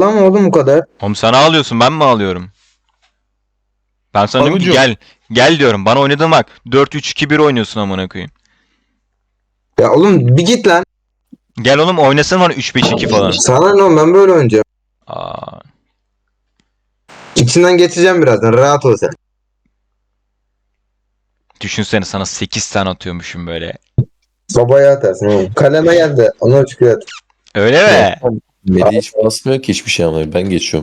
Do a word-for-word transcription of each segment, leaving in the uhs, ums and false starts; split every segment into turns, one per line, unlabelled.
Ağlama oğlum bu kadar.
Oğlum sen ağlıyorsun, ben mi ağlıyorum? Ben sana diyorum ki
Alıcı.
gel. Gel diyorum. Bana oynadın bak. dört üç iki bir oynuyorsun amına koyayım.
Ya oğlum bir git lan.
Gel oğlum oynasana bana üç beş iki falan.
Sana ne oğlum, ben böyle oynayacağım.
Aa,
İçinden geçeceğim birazdan, rahat ol sen.
düşünsene sana sekiz tane atıyormuşum böyle.
Sobaya atarsın oğlum. Kaleme geldi. Onu çıkıyor at.
Öyle mi?
Medi hiç basmıyor ki hiçbir şey ama ben geçiyorum.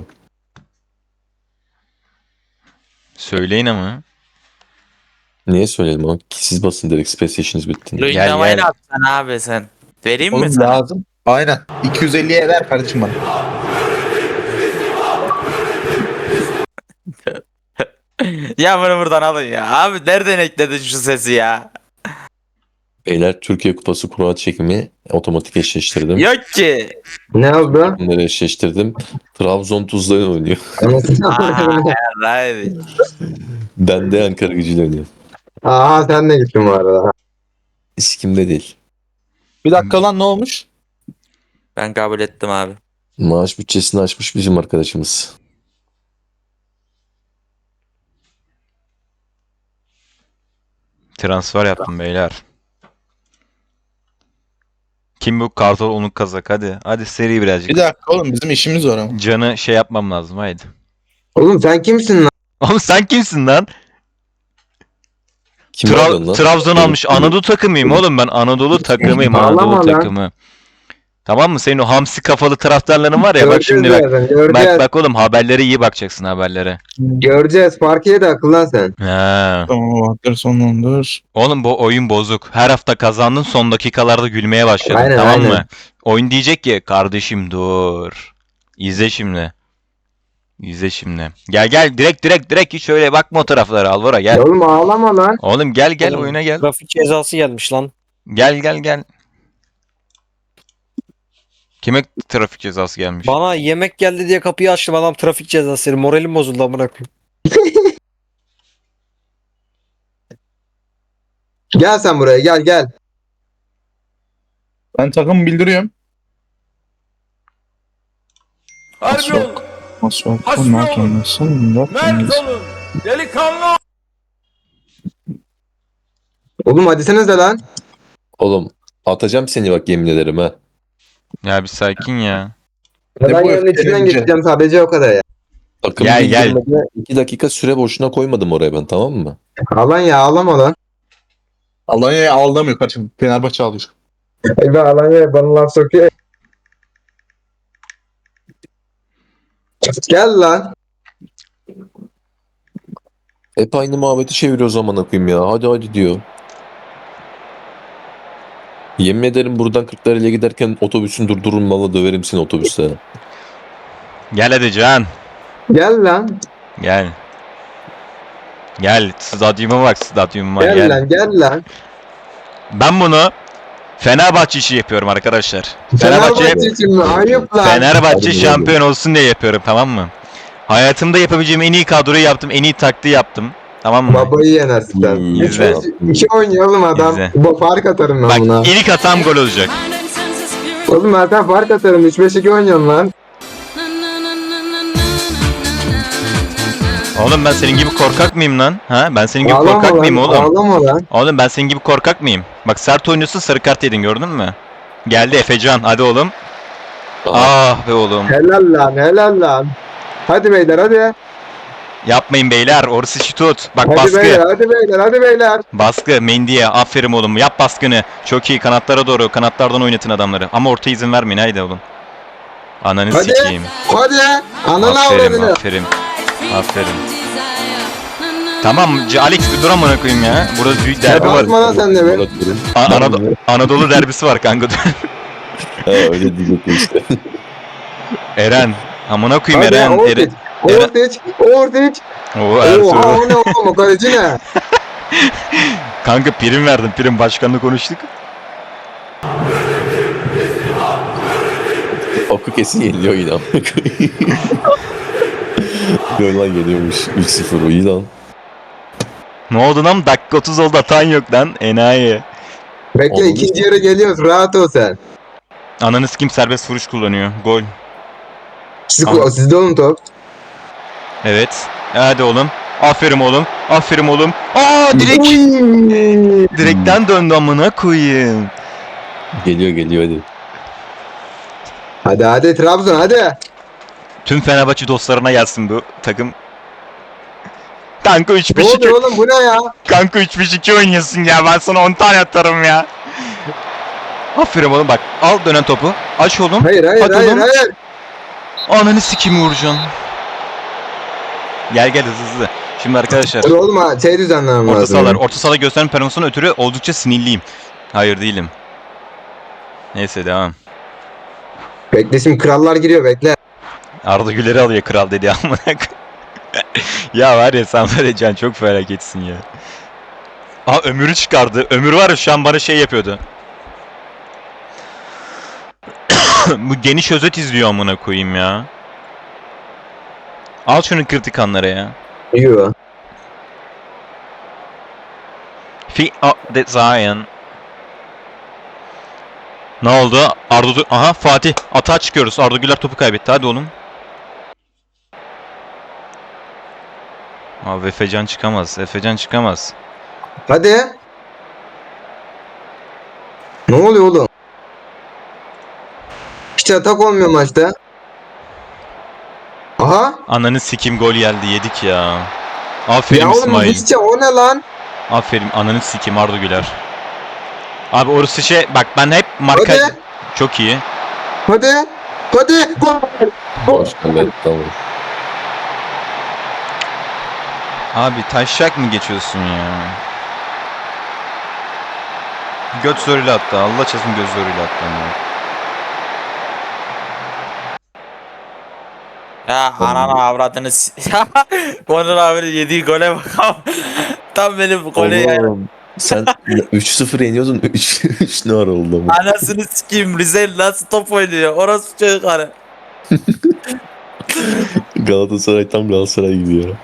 Söyleyin ama.
Niye söyleyelim ama ki siz basın direkt space station'ınız bitti.
Gel,
Luindamayı
gel.
ne yapacaksın abi sen? Vereyim mi
Oğlum
sana?
lazım. Aynen. iki yüz elliye ver kardeşim bana.
Ya bunu buradan alın ya. Abi nereden ekledin şu sesi ya?
Beyler Türkiye Kupası kura çekimi otomatik eşleştirdim.
Yok ki.
Ne oldu?
Bunları eşleştirdim. Trabzon Tuzla'yla oynuyor.
Aa, right.
Ben de Ankara Gücü'yle oynuyorum.
Aha sen de gittin bu arada.
İskimde değil.
Bir dakika lan ne olmuş?
Ben kabul ettim abi.
Maaş bütçesini aşmış bizim arkadaşımız.
Transfer yaptım beyler. Kim bu? Kartal Onuk Kazak, hadi. Hadi seri birazcık.
Bir dakika oğlum bizim işimiz var ama.
Canı şey yapmam lazım, haydi.
Oğlum sen kimsin lan?
Oğlum sen kimsin lan?
Kim
Tra-
aldın lan?
Trabzon almış. Anadolu takımıyım oğlum ben. Anadolu takımıyım.
Ağlama
Anadolu
lan.
takımı. Tamam mı? Senin o hamsi kafalı taraftarların var ya, bak
Göreceğiz
şimdi bak.
birazdan, göreceğiz.
Bak bak oğlum, haberlere iyi bakacaksın, haberlere.
Göreceğiz. Parkiye de akıllan sen.
Ha.
Tamam Bahtır sonlandır.
Oğlum bu oyun bozuk. Her hafta kazandın, son dakikalarda gülmeye başladın.
Aynen,
Tamam
aynen.
mı? Oyun diyecek ki kardeşim dur. İzle şimdi. İzle şimdi. Gel gel, direkt direkt direkt, hiç öyle bakma o taraflara, Alvaro gel.
Ya oğlum ağlama lan.
Oğlum gel gel,
Oğlum,
oyuna gel.
Trafik cezası gelmiş lan.
Gel gel gel. Kime trafik cezası gelmiş?
Bana yemek geldi diye kapıyı açtım, adam trafik cezası. Moralim bozuldu amına koyayım.
Gel sen buraya, gel gel.
Ben takım bildiriyorum.
Harbi olun.
Nasıl oldu?
Hasbi
Ne
olun.
yapıyorsun? Ne
Mert
yapıyorsun?
olun. Delikanlı.
Oğlum hadi senize lan.
Oğlum atacağım seni bak yemin ederim ha.
Ya bir sakin ya.
Ya
Ne
ben
bu
yerin içinden
öfkelence?
geçeceğim sadece, o kadar ya.
Takım
Gel, gel.
bildirmede iki dakika süre boşuna koymadım oraya ben, tamam mı?
Alan ya, ağlama lan.
Alanya'ya aldamıyor kardeşim. Fenerbahçe alıyor.
Ay ben Alanya'ya bana laf sokuyor. Gel lan.
Hep aynı muhabbeti çeviriyor o zaman akıyım ya. Hadi hadi diyor. Yemin ederim buradan Kırklareli'ye giderken otobüsün durdurun, valla döverim seni otobüste.
Gel hadi Can.
Gel lan.
Gel. Gel. Stadyuma bak, stadyuma
Gel,
gel.
lan gel lan.
Ben bunu Fenerbahçe işi yapıyorum arkadaşlar. Fenerbahçe
Fenerbahçe için mi? Ayıp lan.
Fenerbahçe
Hadi
şampiyon olsun diye yapıyorum, tamam mı? Hayatımda yapabileceğim en iyi kadroyu yaptım, en iyi taktiği yaptım. Tamam mı?
Babayı yenersin sen.
İyi,
Üç
izle.
beş iki oynayalım adam.
İzle.
Bu fark atarım ben
Bak
buna.
ilk hatam gol olacak.
Oğlum ben sen fark atarım. üç beş iki oynayalım lan.
Oğlum ben senin gibi korkak mıyım lan? Ha? Ben senin gibi
Ağlama
korkak
lan,
mıyım oğlum?
Ağlama lan.
Oğlum ben senin gibi korkak mıyım? Bak sert oynuyorsun, sarı kart yedin, gördün mü? Geldi Efecan, hadi oğlum. Ah be oğlum.
Helal lan, helal lan. Hadi beyler hadi.
Yapmayın beyler, orası işi tut. Bak
Hadi
baskı.
beyler, hadi beyler, hadi beyler.
Baskı Mendy'ye, aferin oğlum, yap baskını. Çok iyi, kanatlara doğru, kanatlardan oynatın adamları. Ama orta izin vermeyin, haydi oğlum. Ananı
Hadi.
sikeyim.
Hadi. Ananı
Aferin,
avradını.
aferin. Aferin. Tamam, C- Alex bir dur amına koyayım ya. Burada büyük derbi var.
Basma lan sen de be.
Bırakıyorum.
A- Anado- Anadolu derbisi var kanka.
Ha, öyle diyecektim işte.
Eren. Amına koyayım
Hadi
Eren.
Ortiz.
Eren.
Ortiz. Ortiz.
Oo,
Oha
Ertuğrul.
o ne oğlum, o kaleci ne?
Kanka prim verdim. Prim başkanla konuştuk.
Oku kesin yeniliyor yine. Gol lan geliyormuş. üç sıfır iyi lan.
Ne oldu lan? Dakika otuz oldu, atan yok lan. Enayi.
Bekle
Oğlum,
ikinci yarı geliyoruz, rahat ol sen.
Ananı kim serbest vuruş kullanıyor. Gol.
Siz,
Aha.
sizde oğlum top.
Evet. Hadi oğlum. Aferin oğlum. Aferin oğlum. Aa direkt
Uy.
direkten döndü amına koyayım.
Geliyor geliyor hadi.
Hadi hadi Trabzon hadi.
Tüm Fenerbahçe dostlarına gelsin bu takım. Kanka üç
Ne
beş iki.
oluyor oğlum bu ne ya?
Kanka üç beş iki oynuyorsun ya. Ben sana on tane atarım ya. Aferin oğlum bak. Al dönen topu. Aç oğlum.
Hayır hayır
Hadi
hayır
oğlum.
hayır.
Ananı sikeyim Uğurcan. Gel gel hızlı hızlı. Şimdi arkadaşlar.
Dur oğlum ha şey düzenlemem
Orta
lazım.
sahalar. Orta sahada gösteren performansına ötürü oldukça sinirliyim. Hayır değilim. Neyse devam.
Bekle şimdi krallar giriyor bekle.
Arda Güler'i alıyor kral dedi amına koyayım. Ya var ya sen böyle can çok felaketsin ya. Aa Ömür'ü çıkardı. Ömür var ya şu an bana şey yapıyordu. Bu geniş özet izliyor amına koyayım ya. Al şunu kritik anlara ya.
Yiyor.
Fi a de Zion. Ne oldu? Arda Du- aha Fatih atağa çıkıyoruz. Arda Güler topu kaybetti. Hadi oğlum. Abi Efecan çıkamaz. Efecan çıkamaz.
Hadi. Ne oluyor oğlum? Hiç atak olmuyor maçta. Aha.
Ananı sikim gol geldi. Yedik ya. Aferin
Ya oğlum
İsmail.
hiç o ne lan?
Aferin ananı sikim Arda Güler. Abi orası şey bak ben hep marka
Hadi.
çok iyi.
Hadi. Hadi. Gol. Gol.
Hoş geldin. Tamam.
Abi taşak mı geçiyorsun ya? Göt zoruyla attı. Allah çarpsın göz zoruyla attı. onu.
Ya ananı avradını s- Onur abinin yediği gole bakalım. Tam benim gole ya.
Oğlum sen üç sıfır yeniyordun. üç üç ne ara oldu ama.
Anasını sikeyim Rize nasıl top oynuyor. Orası çocukları.
Galatasaray tam Galatasaray gibi ya.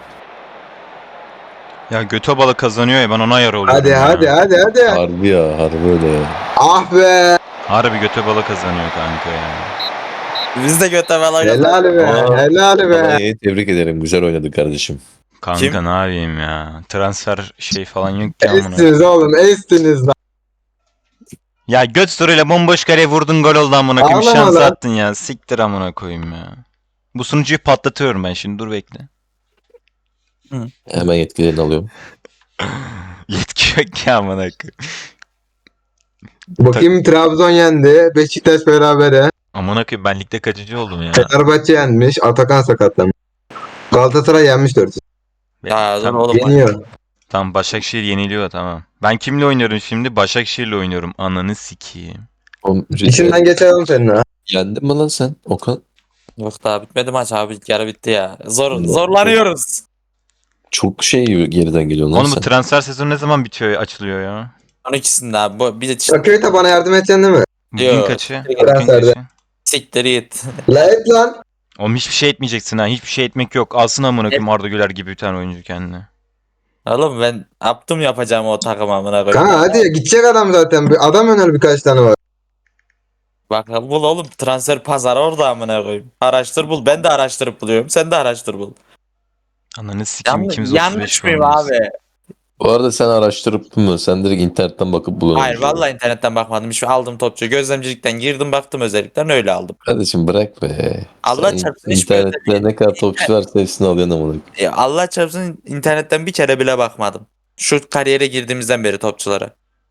Ya götü balı kazanıyor ya ben ona yara oluyorum
Hadi
ya.
hadi hadi hadi.
Harbi ya harbi öyle ya.
Ah be.
Harbi götü balı kazanıyor kanka ya.
Biz de göte bala
Helal be.
Aa.
Helal be.
Alanya'yı tebrik ederim. Güzel oynadı kardeşim.
Kanka
Kim?
ne yapayım ya. Transfer şey falan yok ki amına.
Estiniz oğlum. Estiniz lan.
Ya göt zoruyla bomboş kaleye vurdun gol oldu amına koyayım.
Ağlama
Şans
lan.
attın ya. Siktir amına koyayım ya. Bu sunucuyu patlatıyorum ben şimdi dur bekle.
Hemen yetkilerini alıyorum.
Yetki yok ki amına koyayım.
Bakayım Trabzon yendi. Beşiktaş berabere.
Amına koyayım ben ligde kaçıncı oldum ya.
Fenerbahçe yenmiş. Atakan sakatlanmış. Galatasaray yenmiş dört.
Ya dur
Tamam.
oğlum.
Yeniyor.
Tamam Başakşehir yeniliyor tamam. Ben kimle oynuyorum şimdi? Başakşehir'le oynuyorum. Ananı sikeyim.
Oğlum,
İçinden geçelim senin ha.
Yendin mi lan sen Okan?
Yok daha bitmedi maç abi. Yarı bitti ya. Zor, zorlanıyoruz.
Çok şey geriden geliyor lan
Oğlum bu
sen.
transfer sezonu ne zaman bitiyor açılıyor ya?
on ikisinde abi. Bu, bir de işte
Bakıyor bana yardım edeceksin değil mi?
Bugün
Yok.
kaçı? Bugün
Transferde.
kaçı?
siktir git.
La et lan.
Oğlum hiçbir şey etmeyeceksin ha. Hiçbir şey etmek yok. Alsın amına koyayım Arda Güler gibi bir tane oyuncu kendine.
Oğlum ben yaptım yapacağım o takım amına koyayım.
Kanka hadi ya gidecek adam zaten. Bir adam öner birkaç tane var.
Bak bul oğlum transfer pazarı orada amına koyayım. Araştır bul. Ben de araştırıp buluyorum. Sen de araştır bul.
Ananı sikeyim
Yanlış,
ikimiz otuz
yanlış
beş
mıyım
oynuyoruz.
abi?
Bu arada sen araştırıp mı? Sen direkt internetten bakıp buluyorsun.
Hayır vallahi internetten bakmadım. Hiç aldım topçu. Gözlemcilikten girdim baktım özellikten öyle aldım.
Kardeşim bırak be.
Allah
Sen
çarpsın hiçbir
internette ne kadar topçu varsa hepsini alıyorsun ama.
Ya Allah çarpsın internetten bir kere bile bakmadım. Şu kariyere girdiğimizden beri topçulara.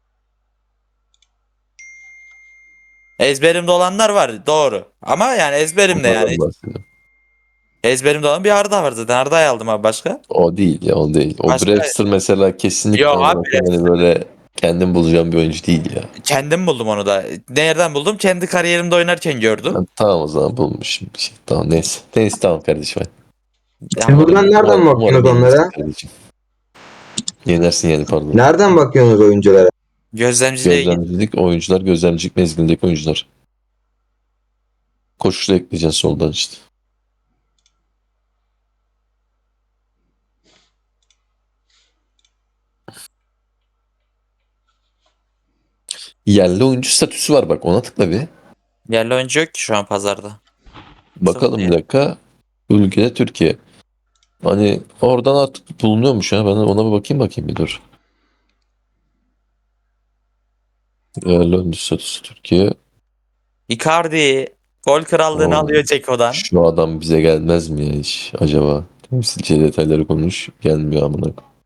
Ezberimde olanlar var doğru. Ama yani ezberimde yani. Ezberimde olan bir Arda var zaten. Arda'yı aldım abi başka.
O değil ya o değil. O
Başka-
Brewster mesela kesinlikle
Yok abi,
olarak yani böyle kendim bulacağım bir oyuncu değil ya.
Kendim buldum onu da. Nereden buldum? Kendi kariyerimde oynarken gördüm.
Ben tamam o zaman bulmuşum bir şey. Tamam neyse. Neyse tamam kardeşim.
Siz buradan nereden
Umarım
bakıyorsunuz
yenilirsin
onlara?
kardeşim. Yenersin yani pardon.
Nereden bakıyorsunuz oyunculara?
Gözlemciliğe git.
Gözlemcilik oyuncular, gözlemcilik mezgindeki oyuncular. Koşuşla ekleyeceksin soldan işte. Yerli oyuncu statüsü var bak ona tıkla bir.
Yerli oyuncu yok ki şu an pazarda.
Bakalım
Sıfır.
bir dakika. Ülkede Türkiye. Hani oradan artık bulunuyormuş ha. Ben ona bir bakayım bakayım bir dur. Yerli oyuncu statüsü Türkiye.
Icardi gol krallığını
Oo.
alıyor Ceko'dan.
Şu adam bize gelmez mi ya hiç acaba? Temsilci detayları konuş. Gelmiyor amına.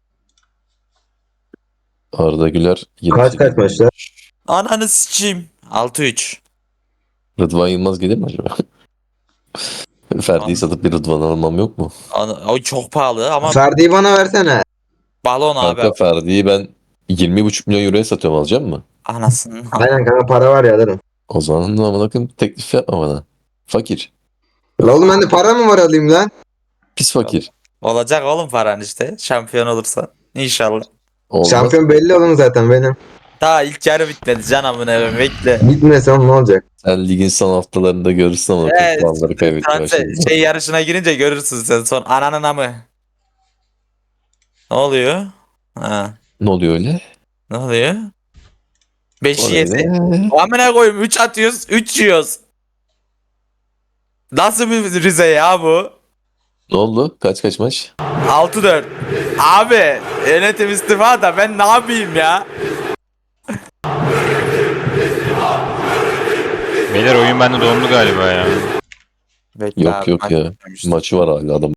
Arda Güler yirmi
Kaç
sekiz.
kaç maçlar?
Ananı sıçayım. altı üç.
Rıdvan Yılmaz gelir mi acaba? Ferdi'yi satıp bir Rıdvan almam yok mu?
Ana- O çok pahalı ama
Ferdi'yi bana versene.
balon abi.
Kanka Ferdi'yi ben yirmi buçuk milyon euroya satıyorum, alacak mı?
Anasını.
Aynen kanka, para var ya alırım.
O zaman amına koyayım teklif yapma bana. Fakir.
La oğlum bende para mı var alayım lan?
Pis fakir.
Olacak oğlum paran işte. Şampiyon olursa. İnşallah.
Olmaz.
Şampiyon belli oğlum zaten benim.
Daha ilk yarı bitmedi can amına koyayım, bekle.
Gitmese oğlum ne olacak?
Sen ligin son haftalarında görürsün ama
Evet,
puanları kaybetmeye
Transfer
başladı.
şey yarışına girince görürsün sen son ananın amı. Ne oluyor? Ha,
Ne oluyor öyle?
ne oluyor? beş
Öyle.
yedi. Amına koyayım üç atıyoruz, üç yiyoruz. Nasıl bir Rize ya bu?
Ne oldu? Kaç kaç maç?
altı dört. Abi yönetim istifa da ben ne yapayım ya?
Beyler oyun bende dondu galiba ya.
Bekle
Yok
abi,
yok
maç
ya.
bitmemiştir.
Maçı var hala adam.